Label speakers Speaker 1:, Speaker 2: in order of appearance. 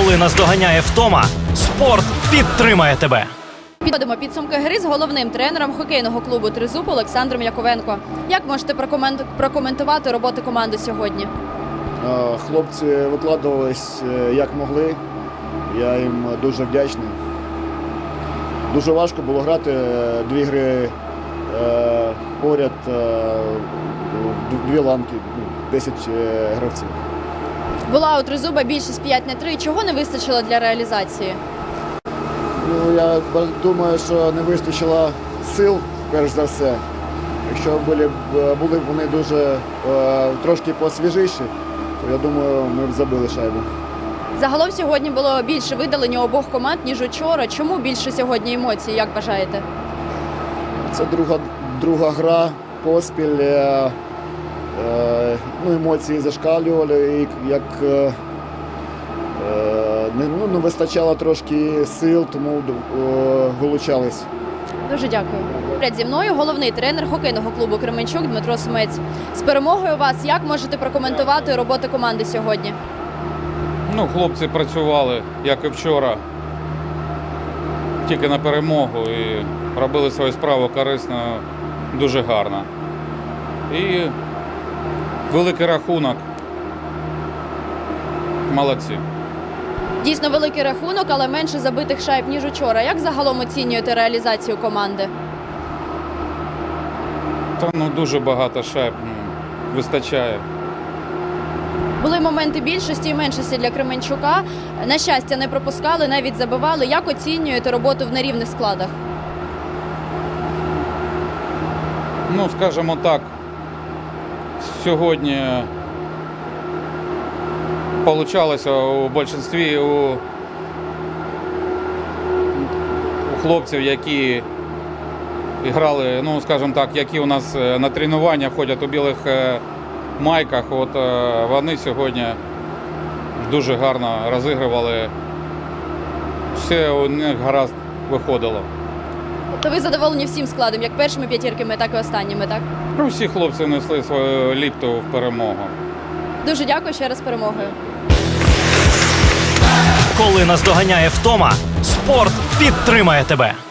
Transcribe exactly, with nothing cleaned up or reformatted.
Speaker 1: Коли наздоганяє втома, спорт підтримає тебе.
Speaker 2: Підводимо підсумки гри з головним тренером хокейного клубу «Тризуб» Олександром Яковенко. Як можете прокомен- прокоментувати роботу команди сьогодні?
Speaker 3: Е, Хлопці викладувались е, як могли. Я їм дуже вдячний. Дуже важко було грати е, дві гри е, поряд, е, дві ланки, десять е, гравців.
Speaker 2: Була у «Тризуба» більшість п'ять на три. Чого не вистачило для реалізації?
Speaker 3: Ну, я б- думаю, що не вистачило сил, перш за все. Якщо були, б- були б вони дуже е, трошки посвіжіші, то я думаю, ми б забили шайбу.
Speaker 2: Загалом сьогодні було більше видалень у обох команд, ніж учора. Чому більше сьогодні емоцій, як вважаєте?
Speaker 3: Це друга, друга гра поспіль. Е, е, ну, емоції зашкалювали, і як е, е, не, ну, не вистачало трошки сил, тому е, вилучались.
Speaker 2: Дуже дякую. Поряд зі мною головний тренер хокейного клубу «Кременчук» Дмитро Сумець. З перемогою вас, як можете прокоментувати роботу команди сьогодні?
Speaker 4: Ну, хлопці працювали, як і вчора, тільки на перемогу і робили свою справу корисно, дуже гарно. І великий рахунок. Молодці.
Speaker 2: Дійсно великий рахунок, але менше забитих шайб, ніж учора. Як загалом оцінюєте реалізацію команди?
Speaker 4: Та ну дуже багато шайб, ну, вистачає.
Speaker 2: Були моменти більшості і меншості для Кременчука. На щастя, не пропускали, навіть забивали. Як оцінюєте роботу в нерівних складах?
Speaker 4: Ну, скажімо так, сьогодні получалося у більшості у, у хлопців, які грали, ну, скажімо так, які у нас на тренування ходять у білих майках, от вони сьогодні дуже гарно розігрували, все у них гаразд виходило.
Speaker 2: То ви задоволені всім складом, як першими п'ятірками, так і останніми, так?
Speaker 4: Ну, всі хлопці внесли свою ліпту в перемогу.
Speaker 2: Дуже дякую ще раз з перемогою.
Speaker 1: Коли наздоганяє втома, спорт підтримає тебе.